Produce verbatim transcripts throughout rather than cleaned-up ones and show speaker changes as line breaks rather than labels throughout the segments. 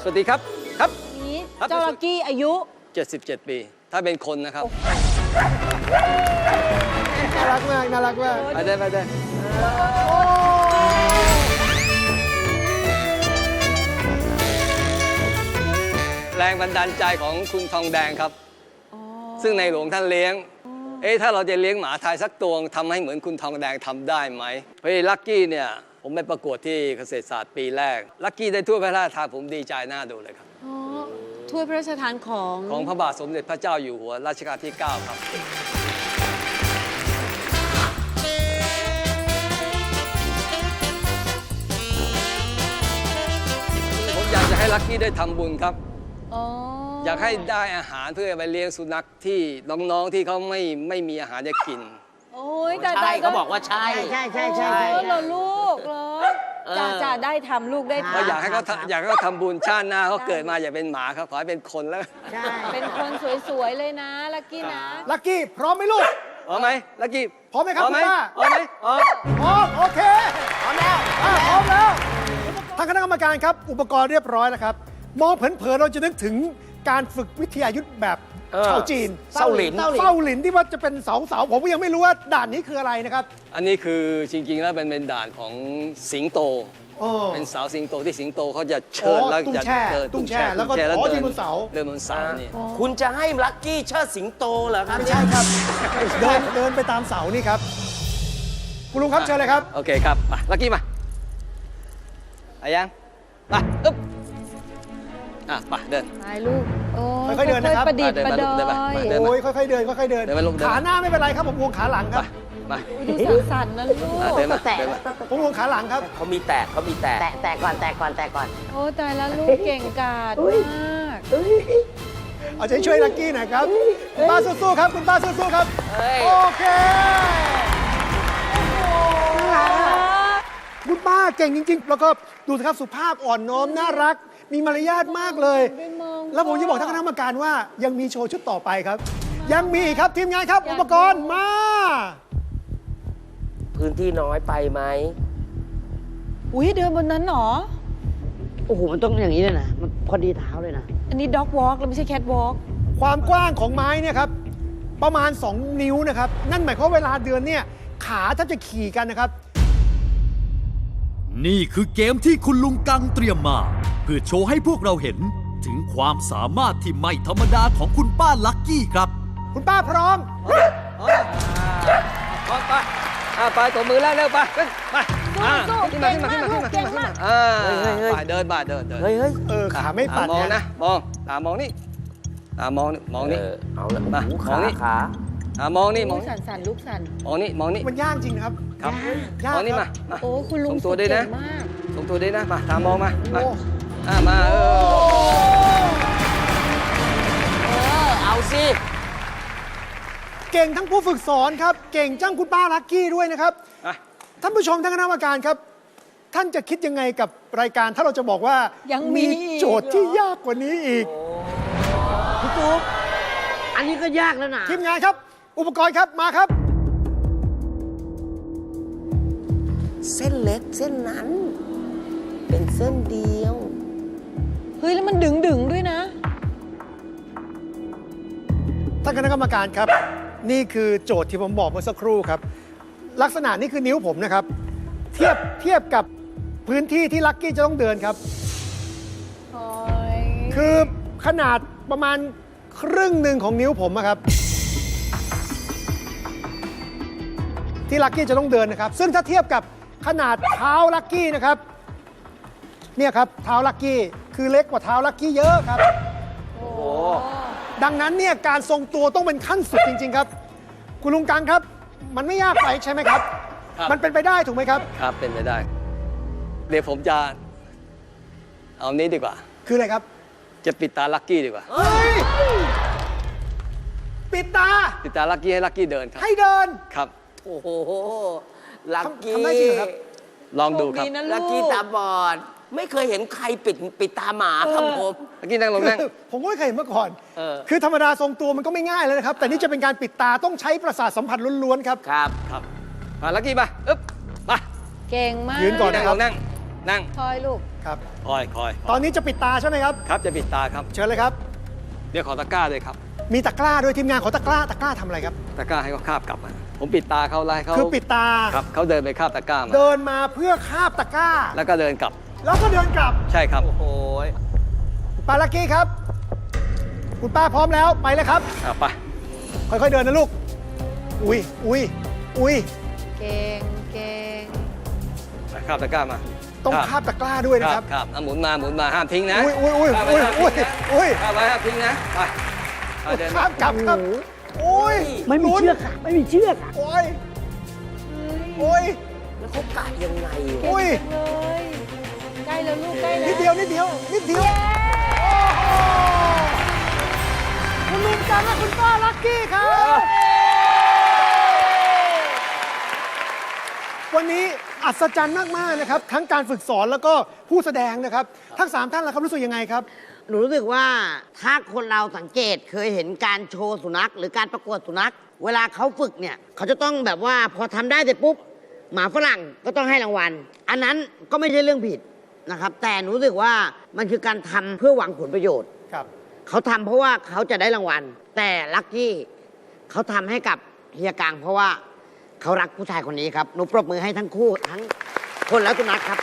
สวัสดีครับครับ
นี้เจ้าลักกี้อายุ
เจ็ดสิบเจ็ด ปี ถ้าเป็นคนนะครับ
น่ารักมากน่ารักมาก
ไปได้ไปได้แรงบันดาลใจของคุณทองแดงครับ ซึ่งในหลวงท่านเลี้ยง เอ๊ะถ้าเราจะเลี้ยงหมาไทยสักตัวทำให้เหมือนคุณทองแดงทำได้ไหมเพราะลักกี้เนี่ยผมไปประกวดที่เกษตรศาสตร์ปีแรกลักกี้ได้ถ้วยพระราชทานผมดีใจหน้าดูเลยครับ
อ๋อถ้วยพระราชทานของ
ของพระบาทสมเด็จพระเจ้าอยู่หัวรัชกาลที่ เก้า ครับผมอยากจะให้ลักกี้ได้ทำบุญครับ
อ๋อ
อยากให้ได้อาหารเพื่อไปเลี้ยงสุนัขที่น้องๆที่เขาไม่ไม่มีอาหารจะกิน
โอ้ยแต่
ใช่เขาบอกว่าใช่
ใช่ใช่ใช่
เอ
ใช่
อเหรอลูกเหรอจ่าจ่าได้ทำลูกได้
ก็
ทำ
อยากให้เขาทำอยากให้เขาทำบุญชาติหน้าเขาเกิดมาอย่าเป็นหมาครับขอให้เป็นคนแล้ว
ใช่
เป็นคนสวยๆเลยนะลักกี้นะ
ลักกี้พร้อมไหมลูก
พร้อมไหมลักกี้
พร้อมไหมครับ
พร้อมไหม
คุณป้า
พร้อมไหมพร้อม
พร้อมโอเคพร้อมแล้วพร้อมแล้วทางคณะกรรมการครับอุปกรณ์เรียบร้อยแล้วครับมองเผินๆเราจะนึกถึงการฝึกวิทยายุทธแบบ
เออ
ชาวจีน
เศร้าหลิน
เศร้าหลินที่ว่าจะเป็นเสาเสาผมก็ยังไม่รู้ว่าด่านนี้คืออะไรนะครับ
อันนี้คือจริงๆแล้วเป็นเป็นด่านของสิงโต
โอ้
เป็นเสาสิงโตที่สิงโตเขาจะเชิญ
อ๋อ
แล้ว
ตุ้ง
จะ
แช่
เดิน
ตุ้งแช่แล้วก็
ตุ้ง
อ๋อ
เดิ
ยืนบนเสา
เดินบนเสานี่
คุณจะให้ลักกี้เชิดสิงโตเหรอครับ
ไม่ใช่ครับ เดินเดินไปตามเสานี่ครับคุณลุงครับเชิญเลยครับ
โอเคครับมาลักกี้มาไปยังไปอึ๊บอ่ะไปเดิน
ไปลูกโอ้
ค่อยๆเดินนะครับ
ประดิษฐ์
เดิน
ประ
มา
ด
ลูกเดิน
อ
มา
ย
เดินมา
โอ้ยค่อยๆเดินค่อยๆเดิน
เดินไปลูกเดิน
ขาหน้าไม่เป็นไรครับผมห่วงขาหลังครับ
มา
ดูสั่นๆนะลูก
อ่ะเดินมา
แตะ
เดินมา
ผมห่วงขาหลังครับ
เขามีแตกเขามีแตก
แตะแตะก่อนแตะก่อนแตะก่อน
โอ้ตายแล้วลูกเก่งกาจมาก
เอาใจช่วยลักกี้หน่อยครับคุณป้าสู้ๆครับคุณป้าสู้ๆครับ
เฮ้ย
โอเคคุณป้าเก่งจริงๆ แล้วก็ดูสิครับสุภาพอ่อนน้อมน่ารัก มีมารยาทมากเลย
ได้มอง
แล้วผมจะบอกท่านคณะกรรมการว่ายังมีโชว์ชุดต่อไปครับ ยังมีอีกครับทีมงานครับ อุปกรณ์มา
พื้นที่น้อยไปไหม
อุ้ยเดินบนนั้นเหรอ
โอ้โห มันต้องอย่างนี้เลยนะ มันพอดีเท้าเลยนะ
อันนี้ด็อกวอล์กแล้วไม่ใช่แคทวอล์ก
ความกว้างของไม้เนี่ยครับประมาณ สอง นิ้วนะครับ นั่นหมายความว่าเวลาเดินเนี่ยขาแทบจะขี่กันนะครับ
นี่คือเกมที่คุณลุงกังเตรียมมา เพื่อโชว์ให้พวกเราเห็นถึงความสามารถที่ไม่ธรรมดาของคุณป้าลักกี้ครับ
คุณป้าพร้อม
พร้อมไปอ่ะไปตัวมือแล้วเร็วไปขึ้นไปอ่ะ
สู้
ขึ้น
ๆ
มา
เก่
ขึ้
ง
นมา
มา
ขึ้
ก
นมา
ลู
ขึ้น
ก
มา
เก่
ขึ้น
ง
มา
มาก
อ่า
เฮ้ยเฮ้ยเฮ้ย
ไปเดินไปเดินเดิน
เฮ้ยเฮ้ย
เออขาไม่ปัด
มอง
นะ
นะมองตามองนี่ตามองนี่มองนี่
เออเอาละ
มา
โอ้โห
มอง
ขา
นี่
ขา
อ่ามองนี่มอง
โอ้ย
นี่
สั่นสั่นๆลูกสั่น
มองนี่มองนี่
มันยากจริงนะครับ
ครับ
ยาก
มองนี่
ค
มา
รับ
มา
โอ้คุณลุง
ส่งตัวด้วยนะ
เก่งมาก
ส่งตัวด้วยนะมาตามมองมามา
โอ้
อ่ามาเออ
เออเอาสิ
เก่งทั้งผู้ฝึกสอนครับ เก่งจังคุณป้าลักกี้ด้วยนะครับ
อ่ะ
ท่านผู้ชมท่านคณะกรรมการครับ ท่านจะคิดยังไงกับรายการถ้าเราจะบอกว่า
ยังมี
โจทย์ที่ยากกว่านี้อีก
พี่ตุ๊กอันนี้ก็ยากแล้วนะ
ทีมงานครับ อุปกรณ์ครับมาครับ
เส้นเล็กเส้นนั้น เป็นเส้นเดียว
เฮ้ยแล้วมันดึงดึงๆด้วยนะ
ท่านคณะกรรมการครับ นี่คือโจทย์ที่ผมบอกเมื่อสักครู่ครับ ลักษณะนี่คือนิ้วผมนะครับ เทียบเทียบกับพื้นที่ที่ลักกี้จะต้องเดินครับ
โอ้ย
คือขนาดประมาณครึ่งหนึ่งของนิ้วผมอะครับ ที่ลักกี้จะต้องเดินนะครับ ซึ่งถ้าเทียบกับขนาดเท้าลักกี้นะครับเนี่ยครับเท้าลักกี้คือเล็กกว่าเท้าลักกี้เยอะครับ
โอ้
ดังนั้นเนี่ยการทรงตัวต้องเป็นขั้นสุดจริง ๆ ครับ คุณลุงกังครับ มันไม่ยากไปใช่ไหมครับ
ครับ
มันเป็นไปได้ถูกไหมครับ
ครับเป็นไปได้ เดี๋ยวผมจะเอานี้ดีกว่า
คืออะไรครับ
จะปิดตาลักกี้ดีกว่า
เฮ้ยปิดตา
ปิดตาลักกี้ให้ลักกี้เดินครับ
ให้เดิน
ครับ
โอ้โห ลักกี้
ทำได้จริงเหรอครับ
ลองดูครับ
โชดีนะ
ลัก
ลู
กี้
ก
ตาบอด ไม่เคยเห็นใครปิดปิดตาหมาครับผม
ลักกี้นั่งลงนั่ง
คือผมก็ไม่เคยเห็นมาก่อน
เออ
คือธรรมดาทรงตัวมันก็ไม่ง่ายเลยนะครับ แต่นี่จะเป็นการปิดตาต้องใช้ประสาทสัมผัสล้วนๆครับ
ครับ
ครับมาลักกี้มาอึ๊บมา
เก่งมาก
ยืนก่อน
นั่งลงนั่งนั่ง
คอยลูก
ครับ
คอยคอย
ตอนนี้จะปิดตาใช่ไหมครับ
ครับจะปิดตาครับ
เชิญเลยครับ
เดี๋ยวขอตะกร้าด้วยครับ
มีตะกร้าด้วยทีมงานขอตะกร้าตะกร้าทำอะไรครับ
ตะกร้าให้เขาคาบกลับมาผมปิดตาเขาไล่เขา
คือปิดตา
ครับเขาเดินไปคาบตะกร้ามา
เดินมาเพื่อคาบตะกร้า
แล้วก็เดินกลับ
แล้วก็เดินกลับ
ใช่ครับ
โอ้โห
คุณป้าลักกี้ครับ คุณป้าพร้อมแล้วไปเลยครับ
อ่ะไป
ค่อยๆเดินนะลูก อุ้ยอุ้ยอุ้ย
เก่งเก่ง
ไปคาบตะกร้ามา
ต้องคาบตะกร้าด้วยนะครับ
ครับอ่ะหมุนมาหมุนมาห้ามทิ้งนะ
อุ้ยอุ้ยอุ้ย
คาบไว้
อุ้ย
ห้าม
อุ้
ทิ้
ย
งนะ
อุ้ย
คาบไว้ห้ามทิ้งนะไปไปเดิน
ข้ามกลับครับโอ้ย
ไม่มีเชือกค่ะ ไม่มีเชือกค่ะ
โอ้ยโอ้ย
แล้วเขากะยังไง
โอ้ย
เลยใกล้แล้วลูกใกล้แล้ว
นิดเดียวนิดเดียวนิดเดียวโอ้โหคุณลุงจังและคุณป้าลักกี้ครับ วันนี้อัศจรรย์มากๆนะครับ ทั้งการฝึกสอนแล้วก็ผู้แสดงนะครับ ทั้งสามท่านล่ะครับรู้สึกยังไงครับ
หนูรู้สึกว่าถ้าคนเราสังเกตเคยเห็นการโชว์สุนัข หรือการประกวดสุนัข เวลาเขาฝึกเนี่ยเขาจะต้องแบบว่าพอทำได้เสร็จปุ๊บหมาฝรั่งก็ต้องให้รางวัล อันนั้นก็ไม่ใช่เรื่องผิดนะครับ แต่หนูรู้สึกว่ามันคือการทำเพื่อหวังผลประโยชน์
ครับ
เขาทำเพราะว่าเขาจะได้รางวัล แต่ลักกี้เขาทำให้กับเฮียกังเพราะว่าเขารักผู้ชายคนนี้ครับหนูปรบมือให้ทั้งคู่ทั้งคนและสุนัขครับ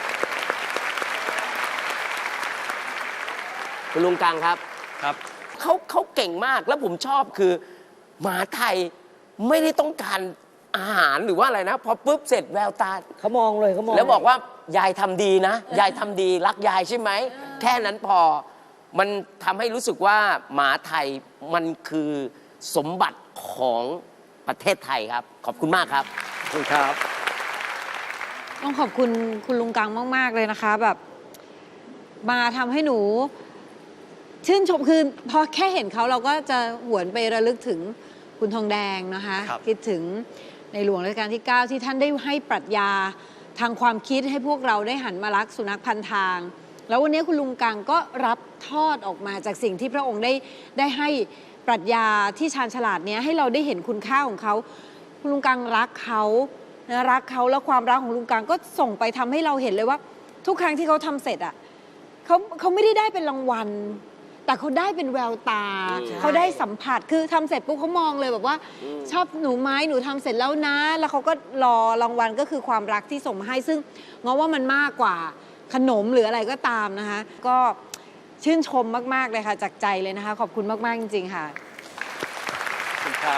คุณลุงกังครับ
ครับ
เขาเขาเก่งมากแล้วผมชอบคือหมาไทยไม่ได้ต้องการอาหารหรือว่าอะไรนะ พอปุ๊บเสร็จแววตา
เขามองเลยเขามอง
แล้วบอกว่ายายทำดีนะ ยายทำดีรักยายใช่ไหม แค่นั้นพอมันทำให้รู้สึกว่าหมาไทยมันคือสมบัติของประเทศไทยครับ ขอบคุณมากครับ
ขอบคุณครับ
ต้องขอบคุณคุณลุงกังมาก ๆ เลยนะคะ แบบมาทำให้หนู ชื่นชมคือพอแค่เห็นเขาเราก็จะหวนไประลึกถึงคุณทองแดงนะคะ
ครับ
คิดถึงในหลวงรัชกาลที่ เก้า ที่ท่านได้ให้ปรัชญาทางความคิดให้พวกเราได้หันมารักสุนัขพันทาง แล้ววันนี้คุณลุงกังก็รับทอดออกมาจากสิ่งที่พระองค์ได้ได้ให้ปรัชญาที่ชาญฉลาดเนี้ยให้เราได้เห็นคุณค่าของเขาคุณลุงกังรักเขานะรักเขาแล้วความรักของลุงกังก็ส่งไปทำให้เราเห็นเลยว่า ทุกครั้งที่เขาทำเสร็จอ่ะเขาเขาไม่ได้ได้เป็นรางวัล แต่เขาได้เป็นแววตา เขาได้สัมผัสคือทำเสร็จปุ๊บเขามองเลยแบบว่า ชอบหนูไหมหนูทำเสร็จแล้วนะ แล้วเขาก็รอรางวัลก็คือความรักที่ส่งมาให้ซึ่งงอว่ามันมากกว่าขนมหรืออะไรก็ตามนะคะ ก็ชื่นชมมาก ๆ เลยค่ะ จากใจเลยนะคะ ขอบคุณมาก ๆ จริง ๆ ค่ะ
ขอบคุณครับ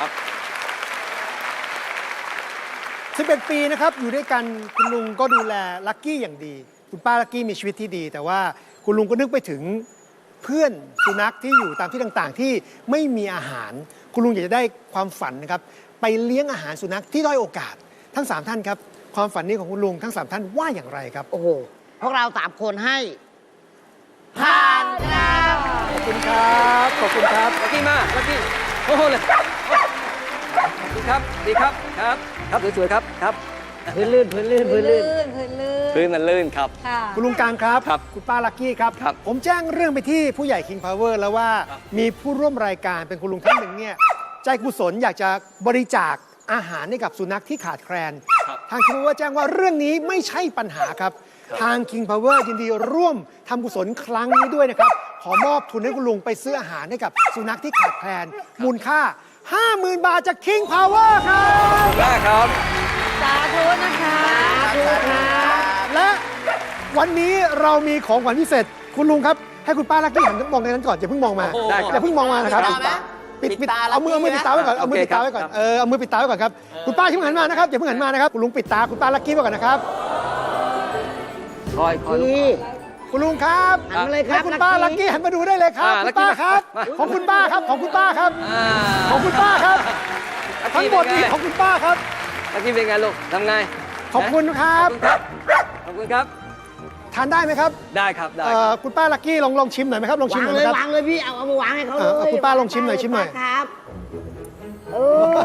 สิบเอ็ด ปีนะครับอยู่ด้วยกันคุณลุงก็ดูแลลักกี้อย่างดี คุณป้าลักกี้มีชีวิตที่ดี แต่ว่าคุณลุงก็นึกไปถึงเพื่อนสุนัขที่อยู่ตามที่ต่างๆ ที่ไม่มีอาหาร คุณลุงอยากจะได้ความฝันนะครับไปเลี้ยงอาหารสุนัขที่ด้อยโอกาส ทั้งสามท่านครับความฝันนี้ของคุณลุงทั้งสามท่านว่าอย่างไรครับ
โอ้โหพวกเราสามคนให้ผ่านครับ
ขอบคุณครับขอบคุณครับ
ลักกี้มาลักกี้โอ้โหเลยดีครับ ดีครับ ครับ ครับสวยๆครับ ครับ
พื้นลื่นพื้นลื่นพื้นลื่น
พื้นลื่น
พื้นมันลื่นครับ
ค่ะ
คุณลุงกลางครับ
ครับ
คุณป้าลักกี้ครับ
ครับ
ผมแจ้งเรื่องไปที่ผู้ใหญ่ King Power แล้วว่า
ครับ
มีผู้ร่วมรายการเป็นคุณลุงท่านหนึ่งเนี่ยใจกุศลอยากจะบริจาคอาหารให้กับสุนัขที่ขาดแคลน
ครับ
ทาง King Power แจ้งว่าเรื่องนี้ไม่ใช่ปัญหาครับ ทาง King Power ยินดีร่วมทำกุศลครั้งนี้ด้วยนะครับ ขอมอบทุนให้คุณลุงไปซื้ออาหารให้กับสุนัขที่ขาดแคลน มูลค่า ห้าหมื่น บาทจาก King Power ครับ
ขอบคุณมากครับ
สาธุนะคะ
และวันนี้เรามีของขวัญพิเศษคุณลุงครับ ให้คุณป้าลักกี้หันมองในนั้นก่อนอย่าเพิ่งมองมา
โอ้โหได้ครับ
อย่าเพิ่งมองมานะครับ
ปิดตาไหม
ปิด
ปิ
ปิด
ดตา
เอามือเอามือปิดตาไว้ก่อนเอามือ
โอเค
ปิดตาไว้ก่อน
ครับ
เออเอามือปิดตาไว้ก่อนครับคุณป้าอย่าเพิ่งหันมานะครับอย่าเพิ่งหันมานะครับคุณลุงปิดตาคุณป้าลักกี้ไว้ก่อนนะครับ
คอยคอยลูก
นี่
คุณลุงครับ
หันมาเลยครับ
ให้คุณป้าลักกี้หันมาดูได้เลยครับ
อ่า
คุณป้า
ลักกี้
ครับ
มา
ของคุณป้าครับของคุณป้าครับ
อ่า
ของคุณป้าครับ
ลัก
ทั้ง
กี้
หมด
เป็น
นี้
ไง
ของคุณป้าครับ
ลักกี้เป็นไงลูกทำไง
ขอบคุณครับ
ขอบคุณครับ ขอบคุณครับ
ทานได้ไหมครับ
ได้ครับ ได้
เอ่
ค
อ
รับ
คุณป้าลักกี้ลองลองชิมหน่อยไหมครับลองชิม
วาง
หน่อย
เล
ไหมครับ
ยวางเลยพี่เอาเอามาวางให้เขาเล
เออเอา
ย
คุณป้าลองชิมหน่อยชิมหน่อย
ครับเออ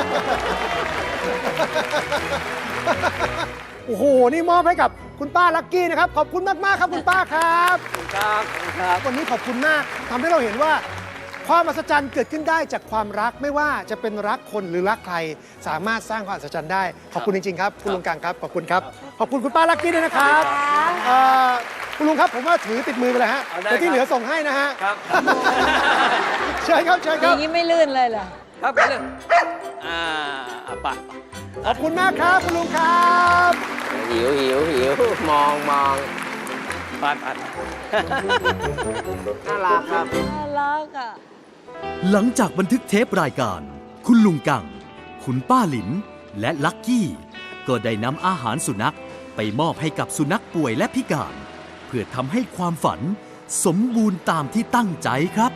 โอ้โห นี่มอบให้กับคุณป้าลักกี้นะครับ ขอบคุณมาก ๆ ครับคุณป้าครับ
ขอบคุณครับ ขอบคุณครับ
วันนี้ขอบคุณมากทำให้เราเห็นว่าความมหัศจรรย์เกิดขึ้นได้จากความรักไม่ว่าจะเป็นรักคนหรือรักใครสามารถสร้างความมหัศจรรย์ได้ขอบคุณจริงๆครับคุณลุงกังครับขอบคุณครับขอบคุณคุณป้าลักกี้ด้วยนะครับเอ่อคุณลุงครับผมว่าถือติดมือไปเลยฮะ
เอาได้
แต่ที่
ครับ
เหลือส่งให้นะฮะ
ครับ
เชิญครับเชิญค
อ
รับ
ย่างนี้ไม่ลื่นเลยเหรอ
ครับไปเลยอ่าอ่ะไป
ขอบคุณมากครับคุณลุงครับ
หิวหิวหิวมองมอง
ไปไป
น่ารักครับ
น่ารักอ่ะ
หลังจากบันทึกเทปรายการ คุณลุงกัง คุณป้าหลิน และลักกี้ ก็ได้นำอาหารสุนัขไปมอบให้กับสุนัขป่วยและพิการ เพื่อทำให้ความฝันสมบูรณ์ตามที่ตั้งใจครับ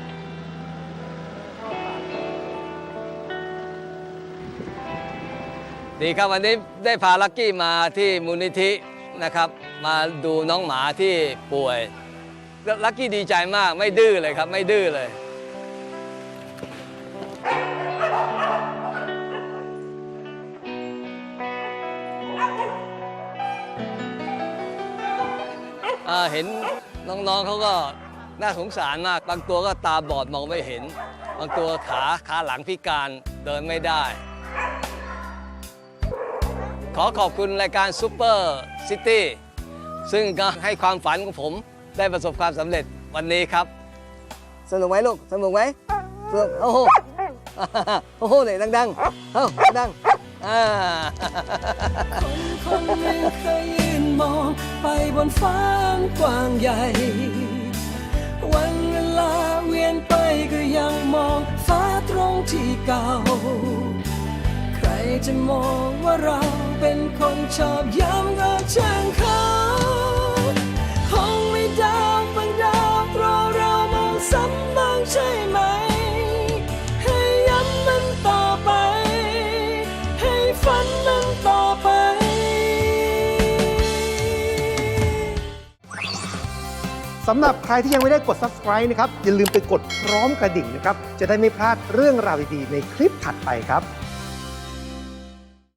ดีครับวันนี้ได้พาลักกี้มาที่มูลนิธินะครับ มาดูน้องหมาที่ป่วยลักกี้ดีใจมากไม่ดื้อเลยครับไม่ดื้อเลยอ่าเห็นน้องๆเขาก็น่าสงสารมากบางตัวก็ตาบอดมองไม่เห็น บางตัวขาขาหลังพิการเดินไม่ได้ ขอขอบคุณรายการซูเปอร์ซิตี้ซึ่งก็ให้ความฝันของผมได้ประสบความสำเร็จวันนี้ครับ สนุกไหมลูก สนุกไหมสนุกโอ้โห โอ้โหเนี่ยดังๆเอ้าดังๆอ่า
คนหนึ่งเคยยืนมองไปบนฟ้ากว้างใหญ่ วันเวลาเวียนไปก็ยังมองฟ้าตรงที่เก่า ใครจะมองว่าเราเป็นคนชอบย้ำก็ช่างเขาคงไม่ดาวบางดาวเพราะเรามองซ้ำบ้างใช่ไหม ให้ย้ำมันต่อไป ให้ฝันมันต่อไป
สำหรับใครที่ยังไม่ได้กด ซับสไครบ์ นะครับอย่าลืมไปกดพร้อมกระดิ่งนะครับจะได้ไม่พลาดเรื่องราวดีๆในคลิปถัดไปครับ